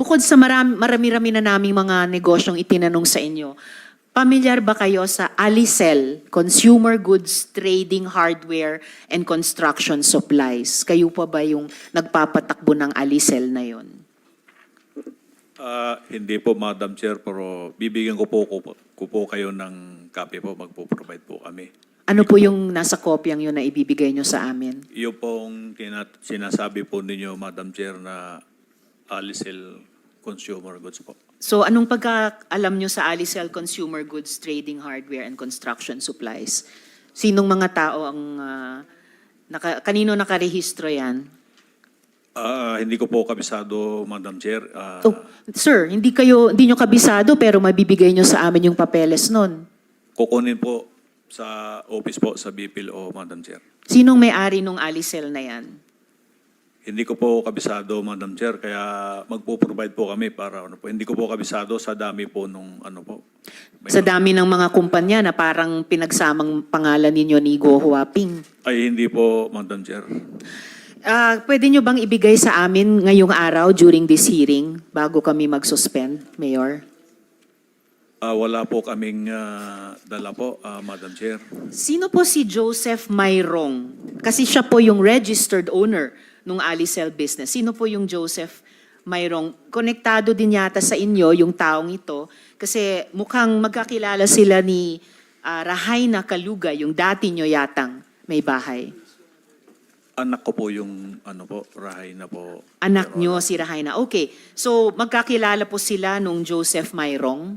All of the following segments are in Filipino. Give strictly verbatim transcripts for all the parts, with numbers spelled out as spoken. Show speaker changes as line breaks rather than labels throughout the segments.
bukod sa marami, marami-rami na naming mga negosyong itinanong sa inyo, pamilyar ba kayo sa Alicel, Consumer Goods Trading Hardware and Construction Supplies? Kayo pa ba yung nagpapatakbo ng Alicel na yon?
Ah, hindi po, Madam Chair, pero bibigyan ko po, ko, ko po kayo ng copy po, magpo-provide po kami.
Ano po yung nasa kopyang yun na ibibigay nyo sa amin?
Yung pong kinat- sinasabi po ninyo, Madam Chair, na Alicel Consumer Goods po.
So anong pagkaalam nyo sa Alicel Consumer Goods Trading Hardware and Construction Supplies? Sinong mga tao ang, ah, naka, kanino nakarehistro yan?
Ah, hindi ko po kabisado, Madam Chair. Ah,
Oh, sir, hindi kayo, hindi nyo kabisado pero mabibigay nyo sa amin yung papeles nun.
kukunin po sa office po sa B P L O, Madam Chair.
Sinong may-ari nung Alicel na yan?
Hindi ko po kabisado, Madam Chair, kaya magpo-provide po kami para ano po. Hindi ko po kabisado sa dami po nung ano po. May-
Sa dami ng mga kumpanya na parang pinagsamang pangalan ninyo ni Go Huaping.
Ay, hindi po, Madam Chair.
Ah, pwede nyo bang ibigay sa amin ngayong araw during this hearing bago kami mag-suspend, Mayor?
Ah, wala po kaming ah, dala po, ah, Madam Chair.
Sino po si Joseph Mayrong? Kasi siya po yung registered owner ng Alicel business. Sino po yung Joseph Mayrong? Konektado din yata sa inyo yung taong ito kasi mukhang magkakilala sila ni ah, Rahaina Kaluga, yung dati nyo yatang may bahay.
Anak ko po yung ano po, Rahay na po.
Anak
Your
nyo
Honor.
si Rahaina. Okay. So magkakilala po sila nung Joseph Mayrong?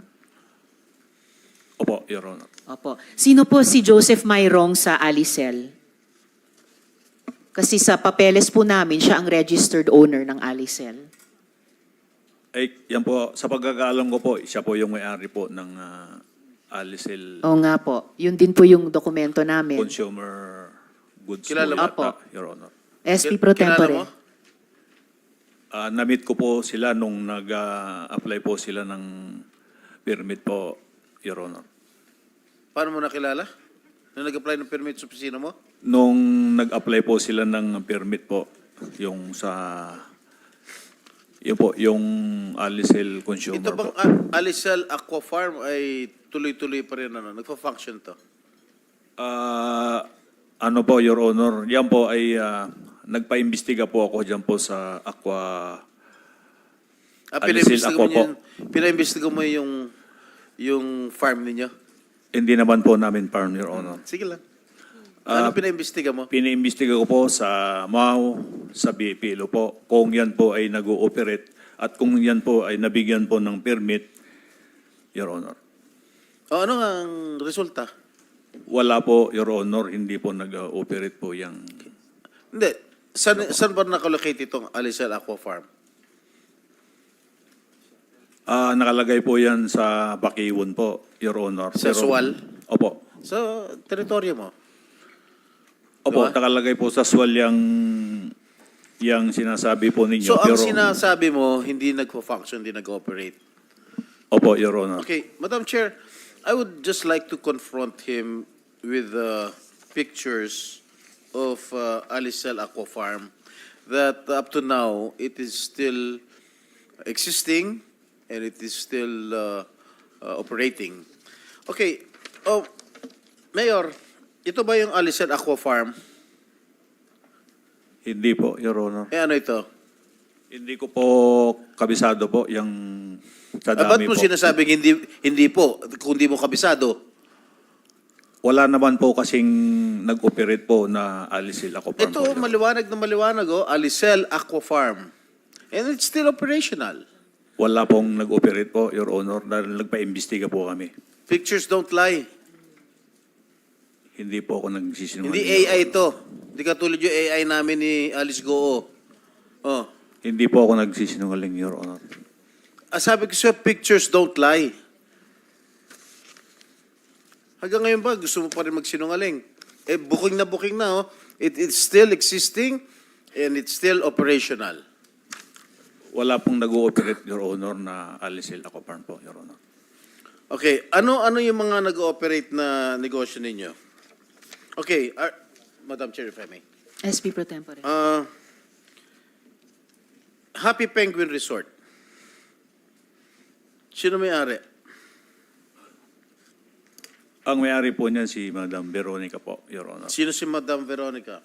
Opo, Your Honor.
Opo. Sino po si Joseph Mayrong sa Alicel? Kasi sa papeles po namin, siya ang registered owner ng Alicel.
Ay, yan po, sa pagkakaalam ko po, siya po yung may-ari po ng ah, Alicel
Oo nga po. Yun din po yung dokumento namin.
Consumer Goods
Kilala
po
mo?
yata,
Opo.
Your Honor.
S P
Kil-
Pro
kilala
Tempore.
mo?
Ah, na-meet ko po sila nung nag-apply po sila ng permit po, Your Honor.
Paano mo nakilala? Nung nag-apply ng permit sa opisina mo?
Nung nag-apply po sila ng permit po, yung sa, yun po, yung Alicel Consumer
Ito bang
po.
A- Alicel Aqua Farm ay tuloy-tuloy pa rin ano? Nagpa-function to?
Ah, ano po, Your Honor, yan po ay ah, nagpa-imbestiga po ako dyan po sa Aqua.
Ah,
Alicel
pinaimbestiga
Aqua
mo,
po.
yung, pinaimbestiga mo yung, yung farm ninyo?
Hindi naman po namin farm, Your Honor.
Sige lang.
Ah,
ano pinaimbestiga mo?
Pinaimbestiga ko po sa M A U, sa B P L O po, kung yan po ay nag-ooperate at kung yan po ay nabigyan po ng permit, Your Honor.
O ano ang resulta?
Wala po, Your Honor, hindi po nag-ooperate po yung...
Hindi. Saan, saan ba nakalocate itong Alicel Aqua Farm?
Ah, nakalagay po yan sa Bakiwon po, Your Honor.
Sa Suwal?
Opo.
Sa teritoryo mo?
Opo,
Diba?
nakalagay po sa Suwal yung, yung sinasabi po ninyo.
So ang
Your Honor.
sinasabi mo, hindi nagpa-function, hindi nag-operate.
Opo, Your Honor.
Okay, Madam Chair, I would just like to confront him with uh, pictures of uh, Alicel Aqua Farm that up to now it is still existing and it is still uh, uh, operating. Okay, oh, Mayor, ito ba yung Alicel Aqua Farm?
Hindi po, Your Honor.
Eh ano ito?
Hindi ko po kabisado po yung sa
Ah, ba't
dami
mo
po.
sinasabing hindi, hindi po, kung di mo kabisado?
Wala naman po kasing nag-operate po na Alicel Aqua Farm.
Ito,
po, Your Honor.
maliwanag na maliwanag, oh, Alicel Aqua Farm. And it's still operational.
Wala pong nag-operate po, Your Honor, dahil nagpa-imbestiga po kami.
Pictures don't lie.
Hindi po ako nagsisinungaling.
Hindi
Your
A I
Honor.
ito. Hindi katulad yung A I namin ni Alice Goo. Oh.
Hindi po ako nagsisinungaling, Your Honor.
Ah, sabi ko sa'yo, pictures don't lie. Hanggang ngayon ba, gusto mo pa rin magsinungaling? Eh, booking na booking na, oh. It, it's still existing and it's still operational.
Wala pong nag-ooperate, Your Honor, na Alicel Aqua Farm po, Your Honor.
Okay, ano ano yung mga nag-ooperate na negosyo ninyo? Okay, uh, Madam Chair, if I may.
S P Pro Tempore.
Uh, Happy Penguin Resort. Sino may-ari?
Ang may-ari po niyan si Madam Veronica po, Your Honor.
Sino si Madam Veronica?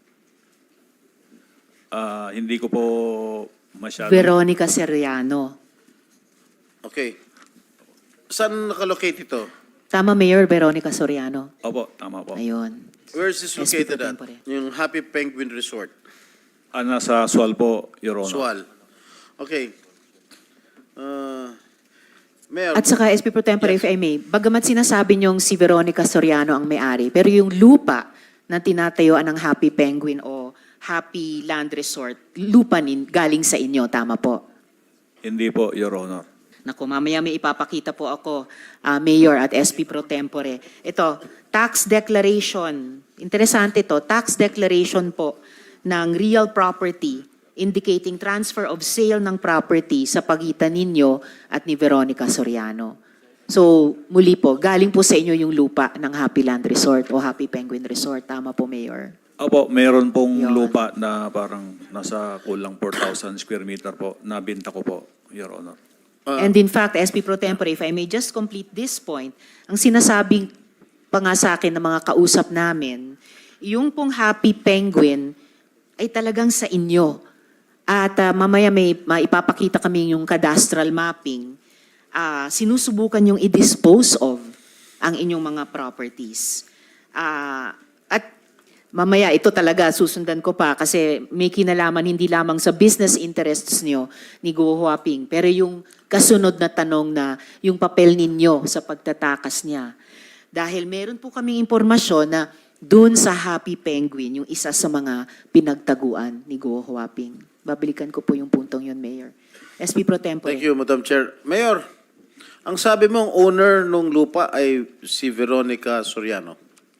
Ah, hindi ko po masyado...
Veronica Seriano.
Okay. Saan nakalocate ito?
Tama, Mayor, Veronica Soriano.
Opo, tama po.
Ayun.
Where is this
S P
located
pro
at?
tempore.
Yung Happy Penguin Resort.
Ah, nasa Sual po, Your Honor.
Sual. Okay. Uh, Mayor,
At saka, S P Pro Tempore,
Yes.
if I may, bagamat sinasabi niyong si Veronica Soriano ang may-ari, pero yung lupa na tinatayuan ng Happy Penguin o Happy Land Resort, lupa nin, galing sa inyo, tama po?
Hindi po, Your Honor.
Naku, mamaya may ipapakita po ako, ah, Mayor at S P Pro Tempore. Ito, tax declaration. Interesante to, tax declaration po ng real property indicating transfer of sale ng property sa pagitan ninyo at ni Veronica Soriano. So, muli po, galing po sa inyo yung lupa ng Happy Land Resort o Happy Penguin Resort. Tama po, Mayor?
Opo, meron pong
Yun.
lupa na parang nasa kulang four thousand square meter po. Nabinta ko po, Your Honor.
uh,
And in fact, S P Pro Tempore, if I may just complete this point, ang sinasabing pa nga sa akin ng mga kausap namin, yung pong Happy Penguin ay talagang sa inyo. At ah, mamaya may maipapakita kami yung cadastral mapping. Ah, sinusubukan yung i-dispose of ang inyong mga properties. Ah, at mamaya ito talaga susundan ko pa kasi may kinalaman hindi lamang sa business interests nyo ni Guo Huaping, pero yung kasunod na tanong na yung papel ninyo sa pagtatakas niya. Dahil meron po kaming impormasyon na dun sa Happy Penguin, yung isa sa mga pinagtaguan ni Guo Huaping. Babalikan ko po yung puntong yun, Mayor. S P Pro Tempore.
Thank you, Madam Chair. Mayor, ang sabi mong owner nung lupa ay si Veronica Soriano.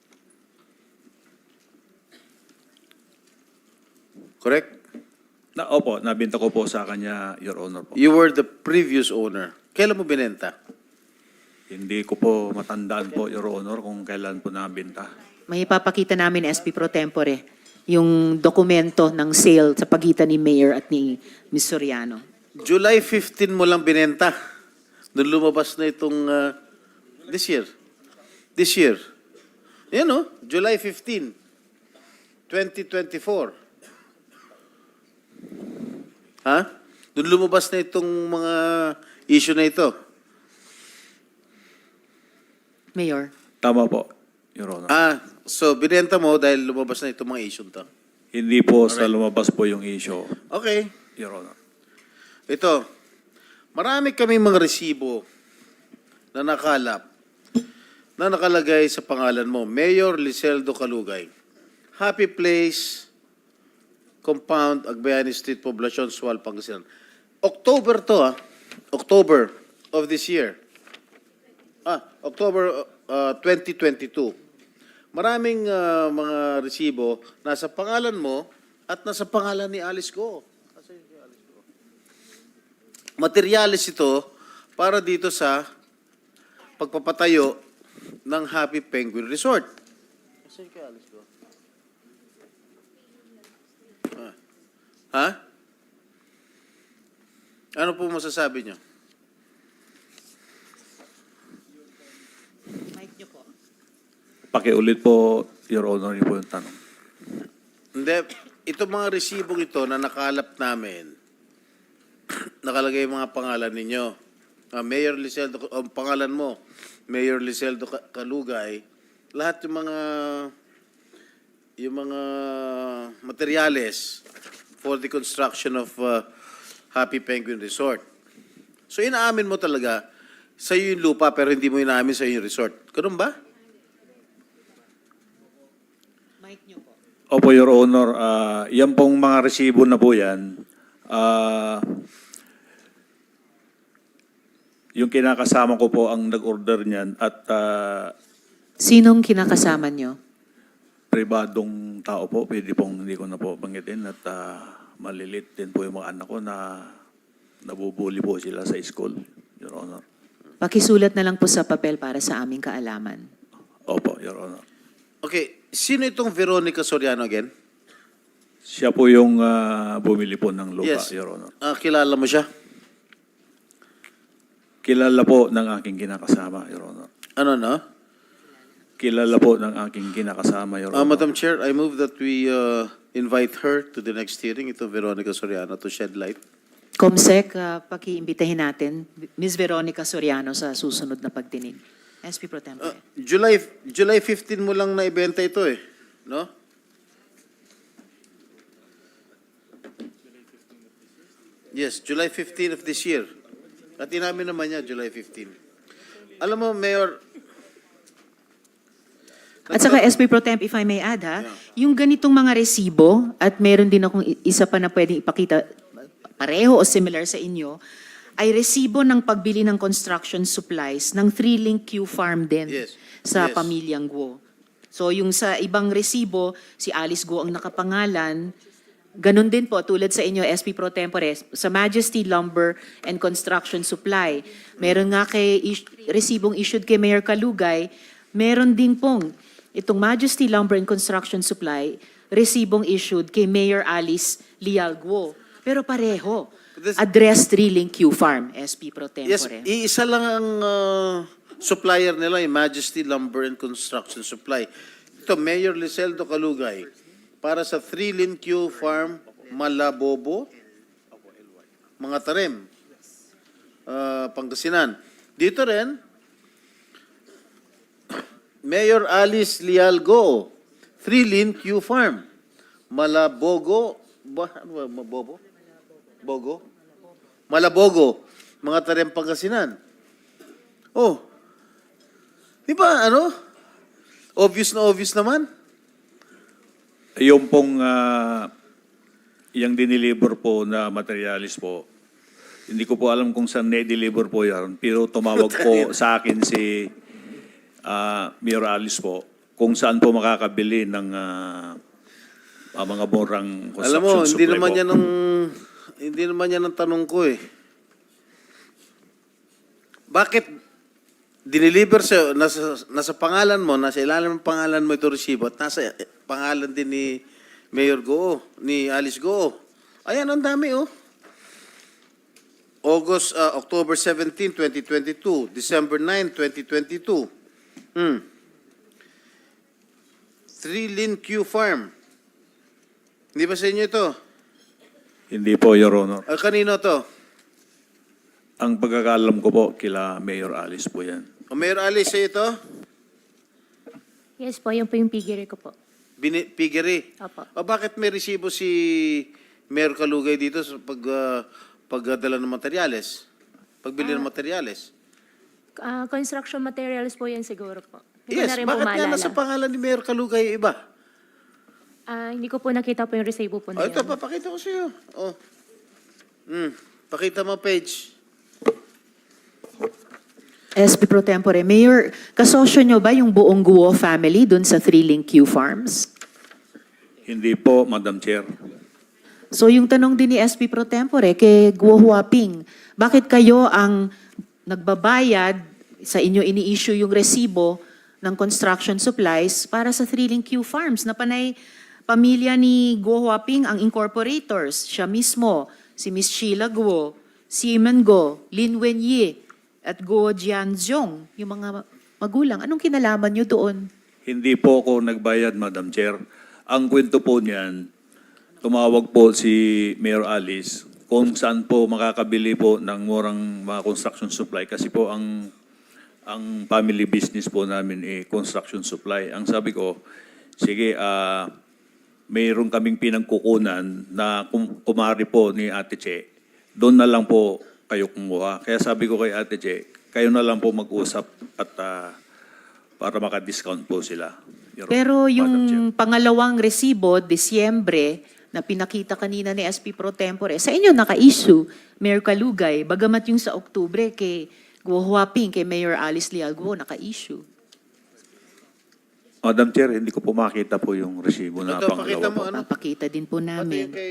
Correct?
Na, opo, nabinta ko po sa kanya, Your Honor po.
You were the previous owner. Kailan mo binenta?
Hindi ko po matandaan po, Your Honor, kung kailan po nabinta.
May ipapakita namin, S P Pro Tempore, yung dokumento ng sale sa pagitan ni Mayor at ni Miz Soriano.
July fifteenth mo lang binenta. Doon lumabas na itong uh, this year. This year. Yan o, July fifteenth, twenty twenty-four. Ha? Doon lumabas na itong mga issue na ito.
Mayor.
Tama po, Your Honor.
Ah, so binenta mo dahil lumabas na itong mga issue to.
Hindi po sa lumabas po yung issue,
Okay.
Your Honor.
Ito, marami kami mga resibo na nakalap na nakalagay sa pangalan mo, Mayor Liseldo Calugay. Happy Place, Compound, Agbayani Street, Poblacion, Sual, Pangasinan. October to ah, October of this year. Ah, October uh, twenty twenty-two. Maraming uh, mga resibo nasa pangalan mo at nasa pangalan ni Alice Go. Materyales ito para dito sa pagpapatayo ng Happy Penguin Resort. Ah. Ha? Ano po masasabi niyo?
Mic niyo po.
Pakiulit po, Your Honor, yun po yung tanong.
Hindi, itong mga resibong ito na nakalap namin, nakalagay yung mga pangalan ninyo. Uh, Mayor Liseldo, ang pangalan mo, Mayor Liseldo Ca- Calugay, lahat yung mga yung mga materyales for the construction of uh, Happy Penguin Resort. So inaamin mo talaga sa iyo yung lupa pero hindi mo inaamin sa iyo yung resort. Ganun ba?
Mic niyo po.
Opo, Your Honor, ah, yan pong mga resibo na po yan, ah, yung kinakasama ko po ang nag-order niyan at ah,
Sinong kinakasama niyo?
pribadong tao po, pwede pong hindi ko na po banggitin at ah, malilit din po yung mga anak ko na nabubuli po sila sa school, Your Honor.
Pakisulat na lang po sa papel para sa aming kaalaman.
Opo, Your Honor.
Okay, sino itong Veronica Soriano again?
Siya po yung ah, bumili po ng lupa,
Yes.
Your Honor.
Ah, kilala mo siya?
Kilala po ng aking kinakasama, Your Honor.
Ano na?
Kilala po ng aking kinakasama, Your
Uh,
Honor.
Madam Chair, I move that we uh, invite her to the next hearing, ito Veronica Soriano, to shed light.
Comsec, uh, pakiimbitahin natin Miz Veronica Soriano sa susunod na pagdinig. S P Pro
Uh,
Tempore.
July July fifteen mo lang na ibenta ito eh, no? Yes, July fifteenth of this year. At inamin naman niya, July fifteenth. Alam mo, Mayor...
At saka S P Pro Temp, if I may add ha, yung ganitong mga resibo, at meron din akong i- isa pa na pwedeng ipakita, pareho o similar sa inyo, ay resibo ng pagbili ng construction supplies ng Three-Link Q Farm din
Yes.
sa
Yes.
pamilyang Guo. So yung sa ibang resibo, si Alice Guo ang nakapangalan, ganun din po, tulad sa inyo, S P Pro Tempore, sa Majesty Lumber and Construction Supply. Meron nga kay, is- resibong issued kay Mayor Kalugay, meron din pong itong Majesty Lumber and Construction Supply, resibong issued kay Mayor Alice Lial Guo. Pero pareho,
This-
address Three-Link Q Farm, S P Pro
Yes,
Tempore.
iisa lang ang uh, supplier nila, yung Majesty Lumber and Construction Supply. Ito, Mayor Liseldo Calugay, para sa Three-Link Q Farm, Malabobo, mga tarim, uh, Pangasinan. Dito rin, Mayor Alice Lialgo, Three-Link Q Farm, Malabogo, ba, ano ba, Mabobo? Bogo? Malabogo, mga tarim Pangasinan. Oh, di ba, ano? Obvious na obvious naman.
Yung pong uh, yung diniliver po na materialis po, hindi ko po alam kung saan na-deliver po yan, pero tumawag po sa akin si uh, Mayor Alice po kung saan po makakabili ng uh, uh, mga murang construction
Alam mo, hindi
supply
naman
po.
yan ang, hindi naman yan ang tanong ko eh. Bakit diniliver sa, nasa, nasa pangalan mo, nasa ilalim ng pangalan mo ito resibo at nasa eh, pangalan din ni Mayor Goo, ni Alice Goo. Ayan, ang dami oh. August, uh, October seventeenth, twenty twenty-two, December ninth, twenty twenty-two. Hmm. Three-Link Q Farm. Hindi ba sa inyo ito?
Hindi po, Your Honor.
Ah, kanino to?
Ang pagkakalam ko po, kila Mayor Alice po yan.
O Mayor Alice, sa ito?
Yes po, yun po yung piggery ko po.
Bini- Piggery.
Opo.
O bakit may resibo si Mayor Kalugay dito sa pag, ah, pagdala ng materyales? Pagbili ng materyales?
Ah, construction materials po yan siguro po. Hindi ko
Yes,
na rin po
bakit nga
maalala.
nasa pangalan ni Mayor Kalugay iba?
Ah, hindi ko po nakita po yung resibo po
O
na
ito,
yan.
papakita ko sa iyo. O. Hmm. Pakita mo page.
S P Pro Tempore, Mayor, kasosyo nyo ba yung buong Guo family dun sa Three-Link Q Farms?
Hindi po, Madam Chair.
So yung tanong din ni S P Pro Tempore kay Guo Huaping, bakit kayo ang nagbabayad sa inyo ini-issue yung resibo ng construction supplies para sa Three-Link Q Farms na panay pamilya ni Guo Huaping ang incorporators, siya mismo, si Miss Sheila Guo, Simon Guo, Lin Wenyi, at Guo Jianzhong, yung mga magulang. Anong kinalaman nyo doon?
Hindi po ako nagbayad, Madam Chair. Ang kwento po niyan, tumawag po si Mayor Alice kung saan po makakabili po ng murang mga construction supply kasi po ang ang family business po namin eh construction supply. Ang sabi ko, sige, ah mayroon kaming pinagkukunan na kum- kumari po ni Ate Che. Doon na lang po kayo kumuha. Kaya sabi ko kay Ate Che, kayo na lang po mag-usap at ah, para maka-discount po sila. Your
Pero
Madam Chair.
yung pangalawang resibo, Disyembre, na pinakita kanina ni S P Pro Tempore, sa inyo naka-issue, Mayor Kalugay, bagamat yung sa Oktubre kay Guo Huaping, kay Mayor Alice Lial Guo, naka-issue.
Madam Chair, hindi ko po makita po yung resibo na
Ito, pakita
pangalawa
mo
po.
ano.
Papakita din po
Pati
namin.
kay